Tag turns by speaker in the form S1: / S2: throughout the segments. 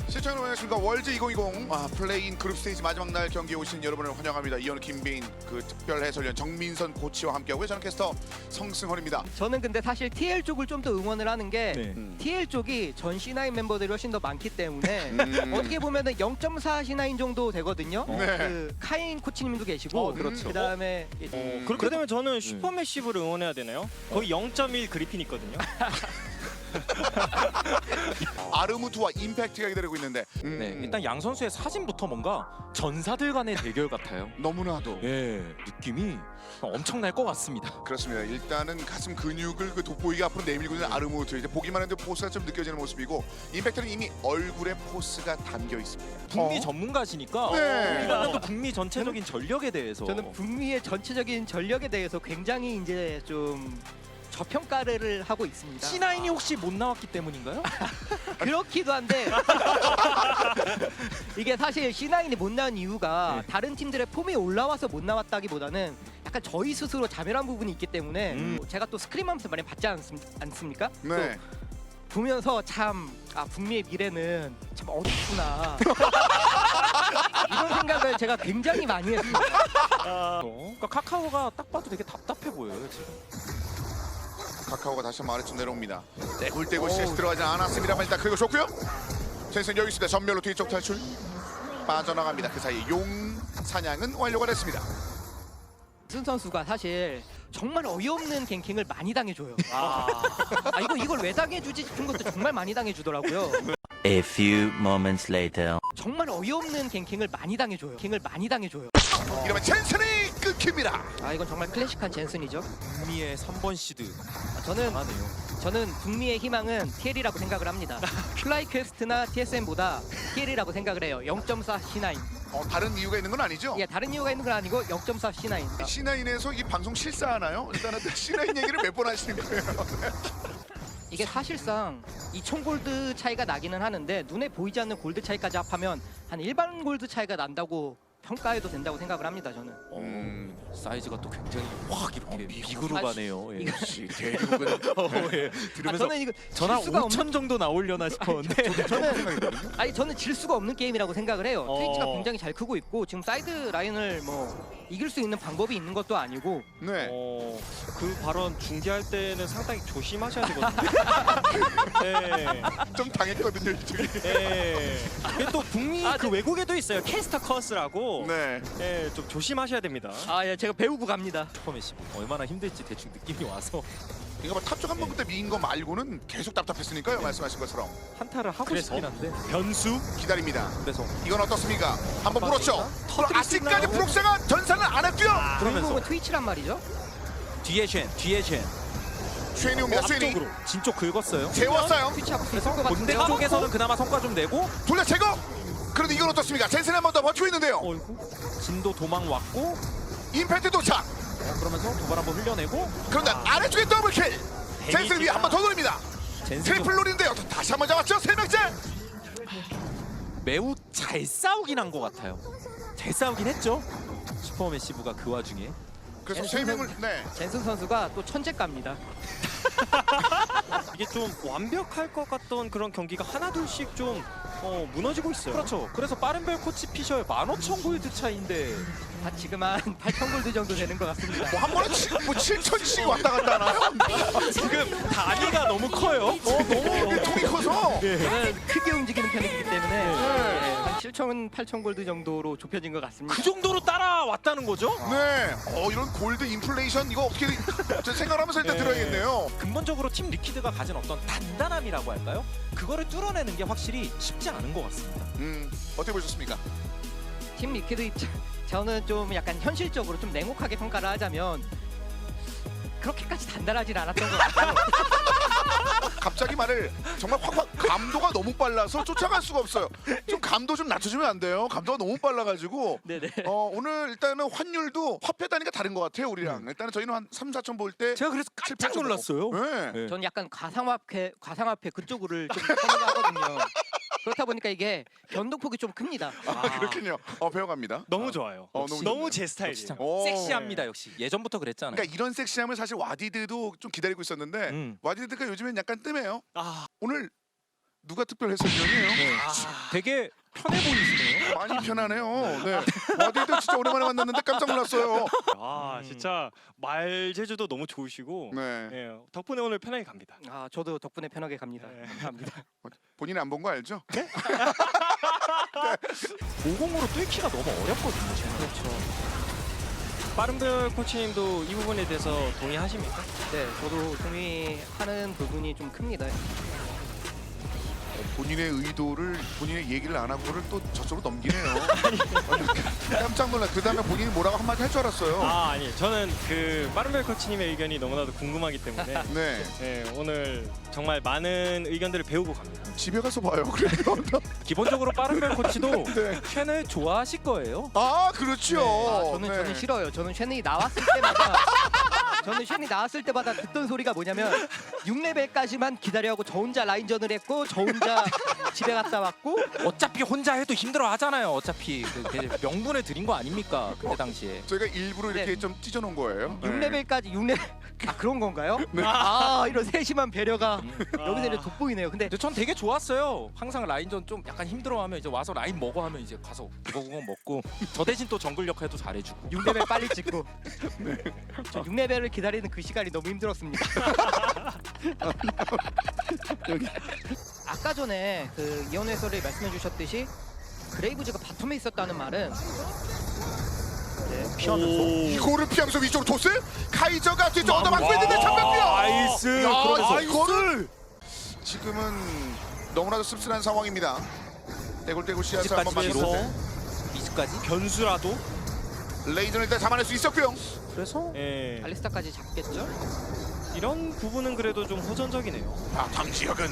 S1: 시청자 여러분 안녕하십니까. 월즈 2020 플레이인 그룹 스테이지 마지막 날 경기에 오신 여러분을 환영합니다. 이현우, 김배인, 그 특별 해설위원 정민선 코치와 함께하고요. 저는 캐스터 성승헌입니다.
S2: 저는 근데 사실 TL 쪽을 좀 더 응원을 하는 게 TL 쪽이 전 C9 멤버들이 훨씬 더 많기 때문에 어떻게 보면은 0.4 C9 정도 되거든요.
S1: 네.
S2: 그 카인 코치님도 계시고
S3: 그렇죠.
S2: 그다음에
S3: 그렇게 되면 저는 슈퍼매시브를 응원해야 되나요? 거의 0.1 그리핀 있거든요.
S1: 아르무트와 임팩트가 기다리고 있는데
S4: 네, 일단 양 선수의 사진부터 뭔가 전사들 간의 대결 같아요.
S1: 너무나도
S4: 예, 느낌이 엄청날 것 같습니다.
S1: 그렇습니다. 일단은 가슴 근육을 그 돋보이게 앞으로 내밀고 있는 아르무트, 이제 보기만 해도 포스가 좀 느껴지는 모습이고, 임팩트는 이미 얼굴에 포스가 담겨 있습니다.
S4: 북미 전문가시니까
S1: 네.
S4: 이거는 또 북미 전체적인 전력에 대해서
S2: 저는 북미의 전체적인 전력에 대해서 굉장히 이제 좀 저평가를 하고 있습니다.
S4: C9이 혹시 못 나왔기 때문인가요?
S2: 그렇기도 한데 이게 사실 C9이 못 나온 이유가 다른 팀들의 폼이 올라와서 못 나왔다기보다는 약간 저희 스스로 자멸한 부분이 있기 때문에 제가 또 스크림하면서 많이 받지 않습니까?
S1: 네.
S2: 보면서 참 북미의 미래는 참 어둡구나 이런 생각을 제가 굉장히 많이 했습니다.
S4: 그러니까 카카오가 딱 봐도 되게 답답해 보여요 지금.
S1: 카카오가 다시 한번 아래쪽 내려옵니다. 떼굴떼굴 CS 들어가지 않았습니다만 일단 그리고 좋고요. 센스는 여기 있습니다. 전멸로 뒤쪽 탈출 빠져나갑니다. 그 사이 용 사냥은 완료가 됐습니다.
S2: 승 선수가 사실 정말 어이없는 갱킹을 많이 당해줘요. 이걸 왜 당해주지 싶은 것도 정말 많이 당해주더라고요.
S5: A few moments later.
S2: 정말 어이없는 갱킹을 많이 당해줘요.
S1: 이러면 젠슨이 끊깁니다.
S2: 이건 정말 클래식한 젠슨이죠.
S4: 북미의 3번 시드
S2: 저는
S4: 잘하네요.
S2: 북미의 희망은 TL이라고 생각을 합니다. 플라이 퀘스트나 TSM보다 TL이라고 생각을 해요. 0.4 C9.
S1: 다른 이유가 있는 건 아니죠?
S2: 예, 다른 이유가 있는 건 아니고 0.4 C9.
S1: C9에서 이 방송 실사하나요? 일단은 C9 얘기를 몇 번 하시는 거예요?
S2: 이게 사실상 2,000 골드 차이가 나기는 하는데 눈에 보이지 않는 골드 차이까지 합하면 한 일반 골드 차이가 난다고 평가해도 된다고 생각을 합니다. 저는.
S4: 사이즈가 또 굉장히 확 이렇게 미구로 가네요. 예.
S1: 역시 대륙은
S4: 예. 들으면서
S2: 저는 이거
S4: 전화
S2: 질 수가
S4: 5천 정도 나오려나 싶었는데
S2: 저는 질 수가 없는 게임이라고 생각을 해요. 트위치가 굉장히 잘 크고 있고 지금 사이드 라인을 뭐 이길 수 있는 방법이 있는 것도 아니고.
S1: 네.
S3: 그 발언 중계할 때는 상당히 조심하셔야 되거든요. 네.
S1: 좀 당했거든요 이쪽이.
S3: 네. 이게 또 북미 그 외국에도 있어요. 캐스터 커스라고.
S1: 네.
S3: 네, 좀 조심하셔야 됩니다.
S2: 예, 제가 배우고 갑니다.
S4: 슈퍼매시 얼마나 힘들지 대충 느낌이 와서
S1: 이거 뭐 탑쪽 한번 그때 미인 거 말고는 계속 답답했으니까요. 말씀하신 것처럼
S4: 한타를 하고
S3: 그래서?
S4: 싶긴 한데
S3: 변수?
S1: 기다립니다.
S4: 그래서
S1: 이건 어떻습니까? 한번 물었죠. 그럼 아직까지
S4: 있나요?
S1: 프록스가 전사는 안 했고요.
S2: 주인공은 트위치란 말이죠.
S4: 뒤에 쉔
S1: 쉐니 옵니다. 쉐니
S4: 앞쪽으로 진쪽 긁었어요.
S1: 재웠어요.
S2: 트위치 하고 있을 것
S4: 본대
S2: 같은데.
S4: 쪽에서는 그나마 성과 좀 내고
S1: 돌려 제거. 그런데 이건 어떻습니까? 젠슨 한 번 더 버티고 있는데요.
S4: 어이구 진도 도망 왔고
S1: 임팩트 도착.
S4: 그러면서 도발 한번 흘려내고
S1: 그런데 아래쪽에 더블킬. 젠슨 위에 한 번 더 돌립니다. 트리플 롤인데요. 다시 한 번 잡았죠. 세 명째.
S4: 매우 잘 싸우긴 한 것 같아요. 잘 싸우긴 했죠. 슈퍼매시브가 그 와중에
S1: 그래서 세 명을
S2: 젠슨 선수가 또 천재갑니다.
S3: 이게 좀 완벽할 것 같던 그런 경기가 하나둘씩 좀 무너지고 있어요.
S4: 그렇죠. 그래서 빠른별 코치 피셔의 15,000 골드 차이인데
S2: 지금 한 8,000 골드 정도 되는 것 같습니다.
S1: 뭐 한 번에 7,000씩 왔다 갔다 하나요?
S4: 지금 단위가 너무 커요.
S1: 너무 통이 커서.
S2: 저는 크게 움직이는 편이기 때문에 한 7,000, 8,000 골드 정도로 좁혀진 것 같습니다.
S4: 그 정도로 따라왔다는 거죠?
S1: 네. 이런 골드 인플레이션 이거 어떻게 생각하면서 일단 들어야겠네요.
S4: 근본적으로 팀 리퀴드가 가진 어떤 단단함이라고 할까요? 그거를 뚫어내는 게 확실히 쉽지 않은 것 같습니다.
S1: 어떻게 보셨습니까?
S2: 팀 리퀴드 입장 저는 좀 약간 현실적으로 좀 냉혹하게 평가를 하자면 그렇게까지 단단하진 않았던 것 같아요.
S1: 갑자기 말을 정말 확 감도가 너무 빨라서 쫓아갈 수가 없어요. 좀 감도 좀 낮춰주면 안 돼요. 감도가 너무 빨라가지고.
S2: 네네.
S1: 오늘 일단은 환율도 화폐 단위가 다른 것 같아요. 우리랑. 일단은 저희는 한 3, 4천 볼 때.
S4: 제가 그래서 깜짝 놀랐어요.
S1: 네.
S2: 저는 약간 가상화폐 그쪽을 좀 선호하거든요. 그렇다 보니까 이게 변동폭이 좀 큽니다.
S1: 그렇군요. 배워갑니다.
S3: 너무 좋아요. 너무 제 스타일이에요.
S1: 오.
S4: 섹시합니다 역시. 예전부터 그랬잖아요.
S1: 그러니까 이런 섹시함을 사실 와디드도 좀 기다리고 있었는데 와디드가 요즘엔 약간 뜸해요. 오늘 누가 특별 해설위원이에요?
S4: 되게 편해 보이시네요.
S1: 많이 편하네요. 네. 어디도 진짜 오랜만에 만났는데 깜짝 놀랐어요.
S3: 진짜 말 제주도 너무 좋으시고
S1: 네.
S3: 예, 덕분에 오늘 편하게 갑니다.
S2: 아 저도 덕분에 편하게 갑니다.
S3: 네.
S2: 감사합니다.
S1: 본인 안 본 거 알죠?
S4: 50으로 뚫기가 너무 어렵거든요. 쟤는.
S2: 그렇죠.
S3: 빠른별 코치님도 이 부분에 대해서 동의하십니까?
S2: 네, 저도 동의하는 부분이 좀 큽니다.
S1: 본인의 의도를 본인의 얘기를 안 하고를 또 저쪽으로 넘기네요. 깜짝 놀라. 그 다음에 본인이 뭐라고 한마디 할 줄 알았어요.
S3: 아니 저는 그 빠른별 코치님의 의견이 너무나도 궁금하기 때문에
S1: 네.
S3: 예, 오늘 정말 많은 의견들을 배우고 갑니다.
S1: 집에 가서 봐요. 그래요.
S4: 기본적으로 빠른별 코치도
S1: 네.
S4: 팬을 좋아하실 거예요.
S1: 아 그렇죠.
S2: 아,
S1: 네.
S2: 저는 싫어요. 저는 쉔이 나왔을 때마다 저는 쉔이 나왔을 때마다 듣던 소리가 뭐냐면 6레벨까지만 기다려하고 저 혼자 라인전을 했고 저 혼자 집에 갔다 왔고
S4: 어차피 혼자 해도 힘들어 하잖아요. 어차피 그 명분을 드린 거 아닙니까? 그때 당시에.
S1: 저희가 일부러 이렇게
S2: 네.
S1: 좀 찢어놓은 거예요.
S2: 6레벨까지 6레벨 아 그런 건가요?
S1: 네.
S2: 아 이런 세심한 배려가 여기서 이제 돋보이네요. 근데
S4: 근데 전 되게 좋았어요. 항상 라인전 좀 약간 힘들어하면 이제 와서 라인 먹어 하면 이제 가서 구거구거 먹고 저 대신 또 정글 역할도 잘해주고.
S2: 6레벨 빨리 찍고 저 6레벨을 기다리는 그 시간이 너무 힘들었습니다. 아까 전에 그 이현우 해설이 말씀해 주셨듯이 그레이브즈가 바텀에 있었다는 말은
S4: 피하면서.
S1: 이거를 피하면서 위쪽으로 토스? 카이저가 뒤쪽 얻어맞고 있는데 장면이요.
S3: 나이스.
S1: 야,
S3: 그러면서
S1: 이거를 지금은 너무나도 씁쓸한 상황입니다. 떼굴떼굴 씨앗을 한번
S4: 이즈까지
S1: 만들어.
S4: 해서 이즈까지.
S3: 변수라도
S1: 레이저는 일단 잡아낼 수 있었고요.
S4: 그래서
S3: 예,
S2: 알리스타까지 잡겠죠?
S3: 이런 부분은 그래도 좀 호전적이네요.
S1: 바탕 지역은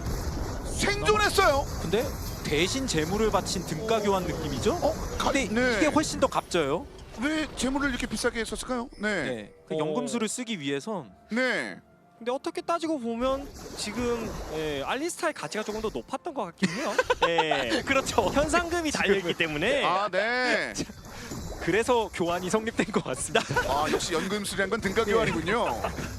S1: 생존했어요.
S4: 근데 대신 재물을 바친 등가 교환 느낌이죠? 근데
S1: 네.
S4: 이게 훨씬 더 갑져요.
S1: 왜 재물을 이렇게 비싸게 했었을까요? 네.
S4: 네. 그 연금술을 쓰기 위해선
S1: 네.
S3: 근데 어떻게 따지고 보면 지금 알리스타의 가치가 조금 더 높았던 것 같긴 해요. 예,
S4: 그렇죠.
S3: 현상금이 달려있기 때문에
S1: 아, 네.
S3: 그래서 교환이 성립된 것 같습니다.
S1: 아, 역시 연금술이란 건 등가 교환이군요.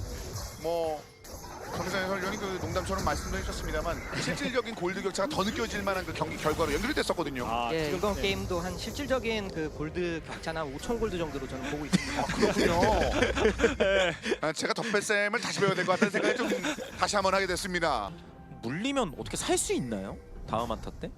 S1: 뭐 정상현 해설위원이 그 농담처럼 말씀도 해주셨습니다만 실질적인 골드 격차가 더 느껴질 만한 그 경기 결과로 연결이 됐었거든요.
S2: 예,
S3: 지금,
S2: 이번 게임도 한 실질적인 그 골드 격차나 5,000 골드 정도로 저는 보고 있습니다.
S1: 그렇군요. 아, 제가 덧배쌤을 다시 배워야 될 것 같다는 생각이 좀 다시 한번 하게 됐습니다.
S4: 물리면 어떻게 살 수 있나요? 다음 한타 때?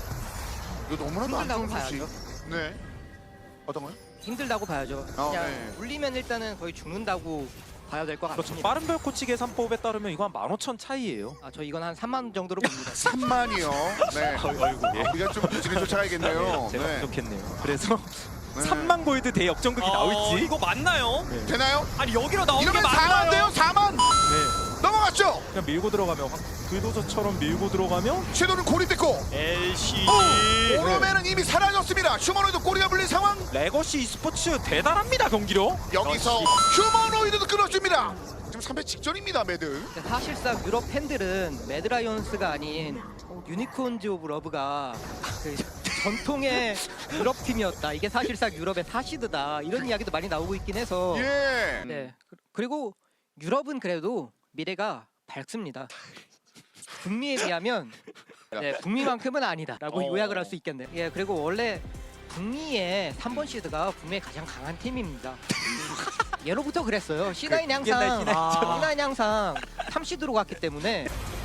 S1: 이거 너무나도 안
S2: 힘들다고
S1: 좋은 소식.
S2: 봐야죠.
S1: 네. 어떤 거요?
S2: 힘들다고 봐야죠. 그냥
S1: 네.
S2: 물리면 일단은 거의 죽는다고 봐야 될 것
S4: 그렇죠.
S2: 같습니다.
S4: 빠른별 코치 계산법에 따르면 이거 한 15,000 차이예요.
S2: 아, 저 이건 한 3만 원 정도로 봅니다.
S1: 3만이요. 네.
S4: 아이고 예.
S1: 우리가 좀 부진을 쫓아가야겠네요.
S4: 제가
S1: 네.
S4: 부족했네요. 그래서
S1: 네.
S4: 3만 골드 대역전극이 나올지.
S3: 이거 맞나요?
S1: 되나요?
S3: 아니 여기로 나오는 게
S1: 이러면
S3: 맞나요?
S1: 4만 돼요. 4만.
S4: 네.
S1: 넘어갔죠.
S4: 그냥 밀고 들어가면 불도저처럼 밀고 들어가면
S1: 섀도는 고립됐고
S3: LCG
S1: 오르메는 이미 사라졌습니다. 휴머노이드 꼬리가 물린 상황.
S4: 레거시 e스포츠 대단합니다 경기력.
S1: 여기서 휴머노이드도 끊어줍니다. 지금 3패 직전입니다. 매드.
S2: 근데 사실상 유럽 팬들은 매드라이온스가 아닌 유니콘즈 오브 러브가 그 전통의 유럽 팀이었다. 이게 사실상 유럽의 사시드다. 이런 이야기도 많이 나오고 있긴 해서.
S1: 예.
S2: 네. 그리고 유럽은 그래도 미래가 밝습니다. 북미에 비하면 네, 북미만큼은 아니다라고 요약을 할 수 있겠네요. 예, 그리고 원래 북미의 3번 시드가 북미의 가장 강한 팀입니다. 예로부터 그랬어요. C9이 항상 C9이 항상 3시드로 갔기 때문에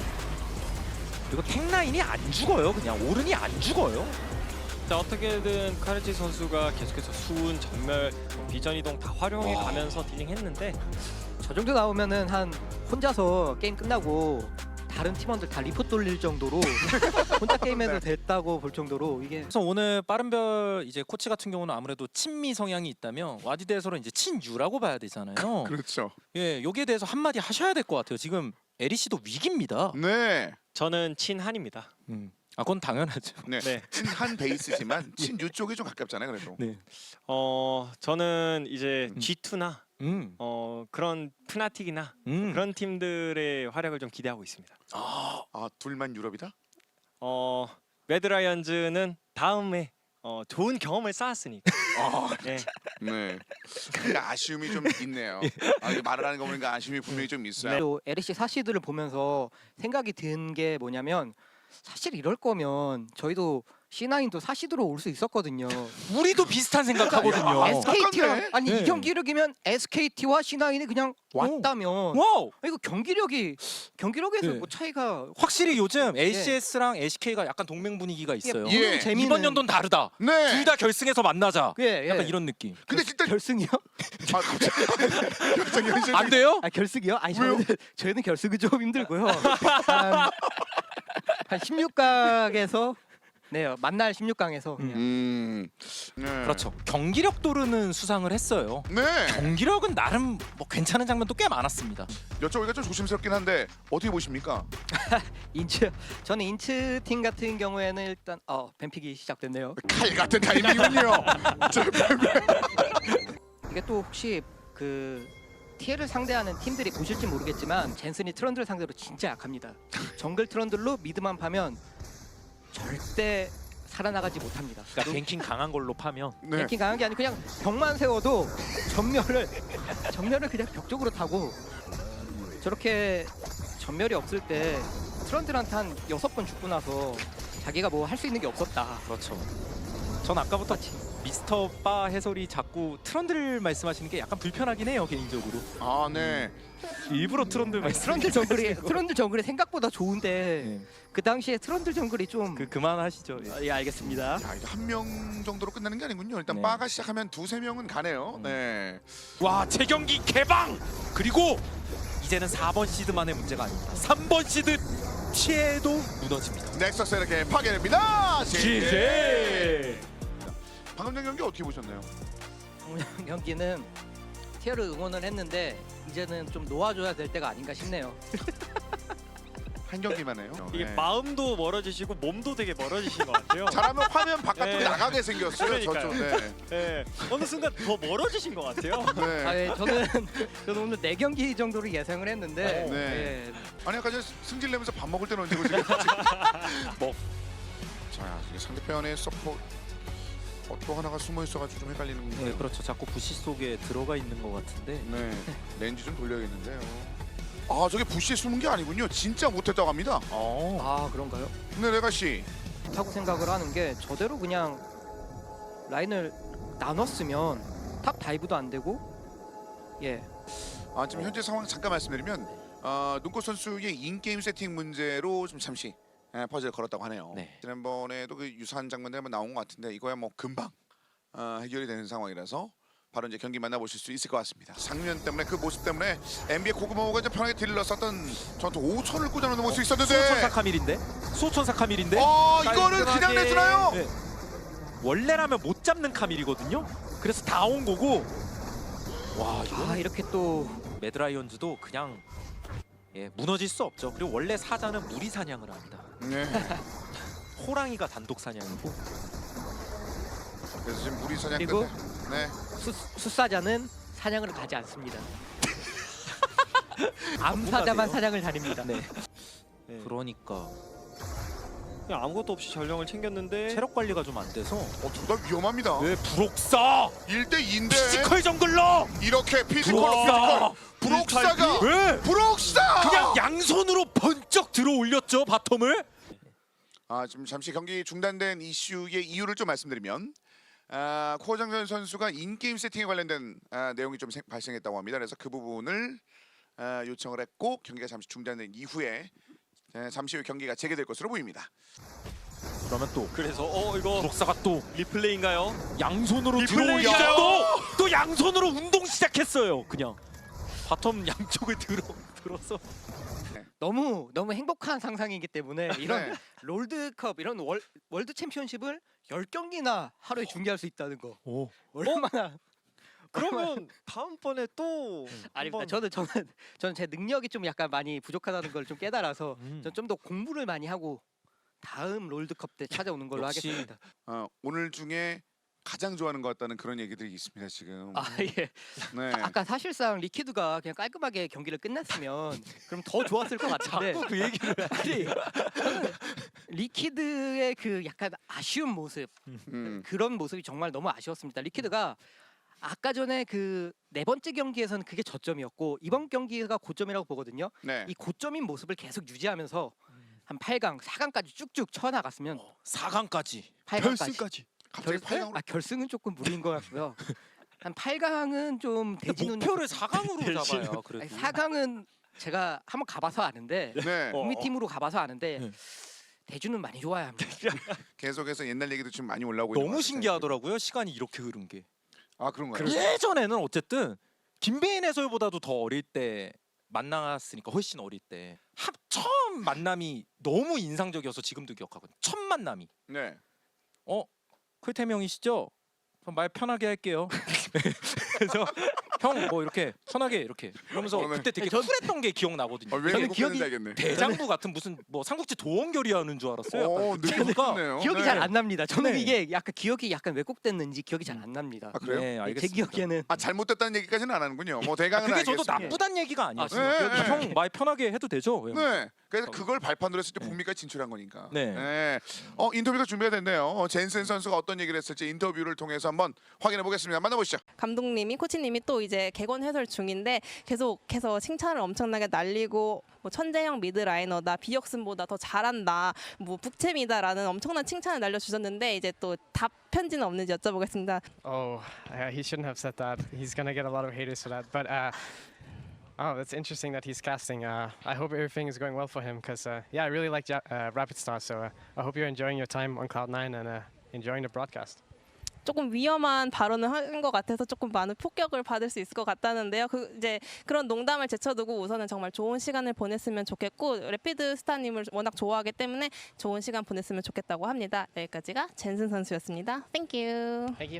S4: 그리고 탱라인이 안 죽어요. 그냥 오른이 안 죽어요.
S3: 자 어떻게든 카르치 선수가 계속해서 수운, 전멸, 비전 이동 다 활용해 가면서 딜링했는데
S2: 저 정도 나오면은 한 혼자서 게임 끝나고 다른 팀원들 다 리포트 돌릴 정도로 혼자 게임해도 됐다고 볼 정도로 이게
S4: 그래서 오늘 빠른별 이제 코치 같은 경우는 아무래도 친미 성향이 있다면 와디드에서는 이제 친유라고 봐야 되잖아요.
S1: 그렇죠.
S4: 예, 여기에 대해서 한마디 하셔야 될 것 같아요. 지금 에리씨도 위기입니다.
S1: 네.
S3: 저는 친한입니다.
S4: 아, 그건 당연하죠.
S1: 네.
S3: 네.
S1: 친한 베이스지만 친유 쪽이 좀 가깝잖아요. 그래도.
S4: 네.
S3: 저는 이제 G2나 그런 프나틱이나
S4: 그런
S3: 그런 팀들의 활약을 좀 기대하고 있습니다.
S1: 아, 둘만 유럽이다?
S3: 매드라이언즈는 다음에 좋은 경험을 쌓았으니까. 네.
S1: 네. 그러니까 아쉬움이 좀 있네요. 아, 이게 말을 하는 거 보니까 아쉬움이 분명히 좀 있어요.
S2: 또 LEC 사시드를 보면서 생각이 든 게 뭐냐면 사실 이럴 거면 저희도 C9도 사시드로 올 수 있었거든요.
S4: 우리도 비슷한 생각하거든요.
S2: SKT랑
S1: 똑같네.
S2: 아니
S4: 네.
S2: 이 경기력이면 SKT와 C9이 그냥 왔다면
S4: 와우.
S2: 이거 경기력에서
S4: 네.
S2: 뭐 차이가
S4: 확실히 요즘 ACS랑 LCK가 약간 동맹 분위기가 있어요.
S1: 예.
S2: 보는 재미는
S4: 이번 연도는 다르다.
S1: 네.
S4: 둘 다 결승에서 만나자.
S2: 예,
S4: 약간 이런 느낌.
S1: 근데 진짜
S2: 결승이요?
S1: 아, 갑자기 현실
S4: 안 돼요?
S2: 아 결승이요? 아니
S1: 왜요?
S2: 저희는 결승은 좀 힘들고요. 한 16강에서 네 만날 16강에서
S1: 네.
S4: 그렇죠. 경기력 도르는 수상을 했어요.
S1: 네.
S4: 경기력은 나름 뭐 괜찮은 장면도 꽤 많았습니다.
S1: 여쭤보기가 좀 조심스럽긴 한데 어떻게 보십니까?
S2: 저는 인츠 팀 같은 경우에는 일단 뱀픽이 시작됐네요.
S1: 칼 같은 타이밍이군요.
S2: 이게 또 혹시 그 TL을 상대하는 팀들이 보실지 모르겠지만 젠슨이 트런들 상대로 진짜 약합니다. 정글 트런들로 미드만 파면 절대 살아나가지 못합니다.
S4: 그러니까 뱅킹 강한 걸로 파면
S1: 네.
S2: 랭킹 강한 게 아니고 그냥 벽만 세워도 전멸을 그냥 벽 쪽으로 타고 저렇게 전멸이 없을 때 트런들한테 한 6번 죽고 나서 자기가 뭐 할 수 있는 게 없었다.
S4: 그렇죠. 전 아까부터 미스터 바 해설이 자꾸 트런들 말씀하시는 게 약간 불편하긴 해요 개인적으로.
S1: 아, 네.
S4: 일부러 트런들 말씀.
S2: 트런들 정글이 생각보다 좋은데
S4: 네.
S2: 그 당시에 트런들 정글이 좀
S4: 그만하시죠. 예.
S2: 예 알겠습니다.
S1: 야, 이제 한 명 정도로 끝나는 게 아니군요. 일단
S4: 네.
S1: 바가 시작하면 두세 명은 가네요. 네.
S4: 와 재경기 개방. 그리고 이제는 4번 시드만의 문제가 아닙니다. 3번 시드 피해도 무너집니다.
S1: 넥서스 이렇게 파괴됩니다.
S4: GG.
S1: 방금 전 경기 어떻게 보셨나요?
S2: 경기는 티어를 응원을 했는데 이제는 좀 놓아줘야 될 때가 아닌가 싶네요.
S1: 한 경기만 해요.
S3: 이게
S1: 네.
S3: 마음도 멀어지시고 몸도 되게 멀어지신 것 같아요.
S1: 잘하면 화면 바깥쪽에
S3: 네.
S1: 나가게 생겼어요.
S3: 그러니까요.
S1: 저쪽. 네.
S3: 네. 어느 순간 더 멀어지신 것 같아요.
S1: 네.
S2: 아, 예, 저는 오늘 4경기 정도를 예상을 했는데
S1: 네.
S2: 예,
S1: 아니 아까 전 승질 내면서 밥 먹을 때는 언제고 지금 뭐. 자, 이게 상대편의 서포 또 하나가 숨어 있어가지고 좀 헷갈리는군요.
S4: 네 그렇죠. 자꾸 부시 속에 들어가 있는 것 같은데.
S1: 네. 렌즈 좀 돌려야겠는데요. 아, 저게 부시에 숨은 게 아니군요. 진짜 못했다고 합니다.
S2: 아 그런가요?
S1: 네, 레가 씨.
S2: 좋다고 생각을 하는 게 저대로 그냥 라인을 나눴으면 탑 다이브도 안 되고 예
S1: 아, 지금 현재 상황 잠깐 말씀드리면 눈꽃 선수의 인게임 세팅 문제로 좀 잠시 퍼즐을 걸었다고 하네요.
S4: 네.
S1: 지난번에도 그 유사한 장면들 한번 나온 것 같은데 이거야 뭐 금방 해결이 되는 상황이라서 바로 이제 경기 만나보실 수 있을 것 같습니다. 상면 때문에 그 모습 때문에 NBA 고구마호가 이제 편하게 딜을 넣었던 전투 5천을 꽂아놓는 모습이 있었는데
S4: 수호천사 카밀인데? 수호천사 카밀인데?
S1: 이거를 그냥
S4: 깔끔하게.
S1: 내주나요?
S4: 네. 원래라면 못 잡는 카밀이거든요? 그래서 다 온 거고 와 이거
S2: 이렇게 또
S4: 매드라이언즈도 그냥 무너질 수 없죠. 그리고 원래 사자는 무리 사냥을 합니다.
S1: 네.
S4: 호랑이가 단독 사냥이고
S1: 그래서 지금 무리 사냥
S2: 그리고
S1: 끝에 네.
S2: 숫사자는 사냥을 가지 않습니다. 암사자만 사냥을 다닙니다.
S4: 네.
S3: 네.
S4: 그러니까
S3: 그냥 아무것도 없이 전령을 챙겼는데
S4: 체력 관리가 좀 안 돼서
S1: 둘 다 위험합니다.
S4: 왜 부록사
S1: 1대2인데
S4: 피지컬 정글러
S1: 이렇게 피지컬
S4: 부록사
S1: 브록사가
S4: 왜
S1: 브록사
S4: 그냥 양손으로 번쩍 들어 올렸죠 바텀을.
S1: 지금 잠시 경기 중단된 이슈의 이유를 좀 말씀드리면 코어장전 선수가 인게임 세팅에 관련된 내용이 좀 발생했다고 합니다. 그래서 그 부분을 요청을 했고 경기가 잠시 중단된 이후에 잠시 후 경기가 재개될 것으로 보입니다.
S4: 그러면 또
S3: 그래서 이거
S4: 부록사가 또
S3: 리플레이인가요?
S4: 양손으로
S3: 리플레이야.
S4: 들어오니까 또 양손으로 운동 시작했어요. 그냥 바텀 양쪽을 들어서
S2: 너무 행복한 상상이기 때문에 이런
S1: 네.
S2: 롤드컵 이런 월드 챔피언십을 10경기나 하루에 중계할 수 있다는 거
S4: 오.
S2: 얼마나
S3: 그러면 다음번에 또
S2: 아닙니다.
S3: 한번
S2: 저는 제 능력이 좀 약간 많이 부족하다는 걸 좀 깨달아서
S4: 음.
S2: 전 좀 더 공부를 많이 하고 다음 롤드컵 때 찾아오는 걸로
S4: 역시.
S2: 하겠습니다.
S1: 오늘 중에 가장 좋아하는 것 같다는 그런 얘기들이 있습니다 지금.
S2: 예.
S1: 네.
S2: 아까 사실상 리퀴드가 그냥 깔끔하게 경기를 끝냈으면 그럼 더 좋았을 것 같은데
S4: 자꾸 그 얘기를
S2: 아니, 저는 리퀴드의 그 약간 아쉬운 모습 그런 모습이 정말 너무 아쉬웠습니다. 리퀴드가 아까 전에 그 4번째 경기에서는 그게 저점이었고 이번 경기가 고점이라고 보거든요.
S1: 네.
S2: 이 고점인 모습을 계속 유지하면서 한 8강, 4강까지 쭉쭉 쳐나갔으면
S4: 4강까지
S2: 8강까지
S1: 갑자기 8강으로
S2: 결승은 조금 무리인 것 같고요. 한 8강은 좀 대진운
S4: 목표를 4강으로 잡아요. 그래도
S2: 4강은 제가 한번 가봐서 아는데
S1: 네.
S2: 북미 팀으로 가봐서 아는데
S4: 네.
S2: 대준은 많이 좋아야 합니다.
S1: 계속해서 옛날 얘기도 지금 많이 올라오고 있는 것
S4: 너무
S1: 같아요.
S4: 신기하더라고요. 시간이 이렇게 흐른 게.
S1: 아 그런가요?
S4: 예전에는 어쨌든 김배인 해설보다도 더 어릴 때 만났으니까 훨씬 어릴 때 처음 만남이 너무 인상적이어서 지금도 기억하거든요. 첫 만남이
S1: 네.
S4: 클태명이시죠? 그럼 말 편하게 할게요. 그래서 형 뭐 이렇게 편하게 이렇게 그러면서
S1: 네.
S4: 그때 되게
S2: 전-
S4: 쿨했던 게 기억나거든요.
S1: 왜
S2: 저는
S1: 이렇게
S2: 기억이-
S1: 기억이 알겠네.
S4: 대장부 같은 무슨 뭐 삼국지 도원결의 하는 줄 알았어요.
S1: 오, 느낌이네요.
S2: 기억이 잘 안 납니다. 저는
S4: 네.
S2: 이게 약간 기억이 약간 왜곡됐는지 기억이 잘 안 납니다.
S1: 아 그래요?
S4: 네,
S2: 제
S4: 알겠습니다.
S2: 기억에는
S1: 아 잘못됐다는 얘기까지는 안 하는군요. 뭐 대강은
S4: 그게 저도
S1: 알겠습니다.
S4: 나쁘단 얘기가 아니었어요.
S1: 네,
S4: 기억이
S1: 네.
S4: 형 말 편하게 해도 되죠?
S1: 네. 그래서 그걸 발판으로 했을 때 북미까지 진출한 거니까.
S4: 네.
S1: 인터뷰가 준비가 됐네요. 젠슨 선수가 어떤 얘기를 했을지 인터뷰를 통해서 한번 확인해 보겠습니다. 만나보시죠.
S6: 감독님이 코치님이 또 이제 객원 해설 중인데 계속해서 칭찬을 엄청나게 날리고 뭐 천재형 미드라이너다, 비역슨보다 더 잘한다, 뭐 북챔이다라는 엄청난 칭찬을 날려주셨는데 이제 또 답 편지는 없는지 여쭤보겠습니다.
S7: Oh, he shouldn't have said that. He's gonna get a lot of haters for that. But oh, that's interesting that he's casting. I hope everything is going well for him because yeah, I really like Rapid Star. So I hope you're enjoying your time on Cloud9 and enjoying the broadcast.
S6: 조금 위험한 발언을 한 것 같아서 조금 많은 폭격을 받을 수 있을 것 같다는데요. 이제 그런 농담을 제쳐두고 우선은 정말 좋은 시간을 보냈으면 좋겠고 래피드 스타님을 워낙 좋아하기 때문에 좋은 시간 보냈으면 좋겠다고 합니다. 여기까지가 젠슨 선수였습니다. Thank you.
S7: Thank you.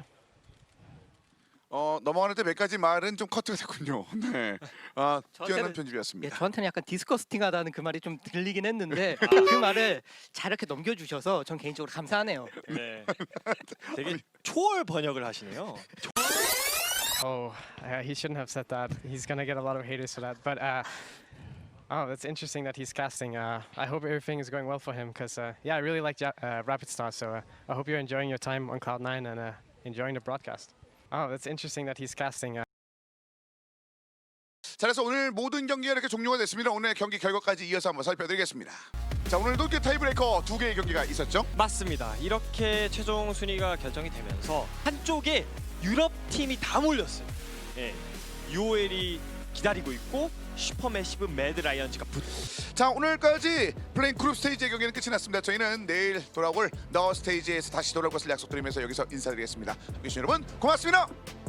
S1: 넘어가는 때 몇 가지 말은 좀 커트가 됐군요. 네. 뛰어난
S2: 저한테는-
S1: 편집이었습니다.
S2: 예, 저한테는 약간 디스커스팅하다는 그 말이 좀 들리긴 했는데 그 말을 잘 이렇게 넘겨주셔서 전 개인적으로 감사하네요.
S3: 네. 되게 초월 번역을 하시네요.
S7: Oh, he shouldn't have said that. He's gonna get a lot of haters for that. But oh, that's interesting that he's casting. I hope everything is going well for him because yeah, I really like Rapid Star. So I hope you're enjoying your time on Cloud9 and enjoying the broadcast. Oh, that's interesting that he's casting.
S1: 자, 그래서 오늘 모든 경기가 이렇게 종료가 됐습니다. 오늘 경기 결과까지 이어서 한번 살펴드리겠습니다. 자, 오늘도 타이브레이커 2개의 경기가 있었죠?
S3: 맞습니다. 이렇게 최종 순위가 결정이 되면서 한쪽에 유럽 팀이 다 몰렸어요. 예. UOL이 기다리고 있고 슈퍼매시브 매드라이언즈가 붙고.
S1: 자, 오늘까지 플레인 그룹 스테이지의 경기는 끝이 났습니다. 저희는 내일 돌아올 더 스테이지에서 다시 돌아올 것을 약속드리면서 여기서 인사드리겠습니다. 함께해 주신 여러분 고맙습니다.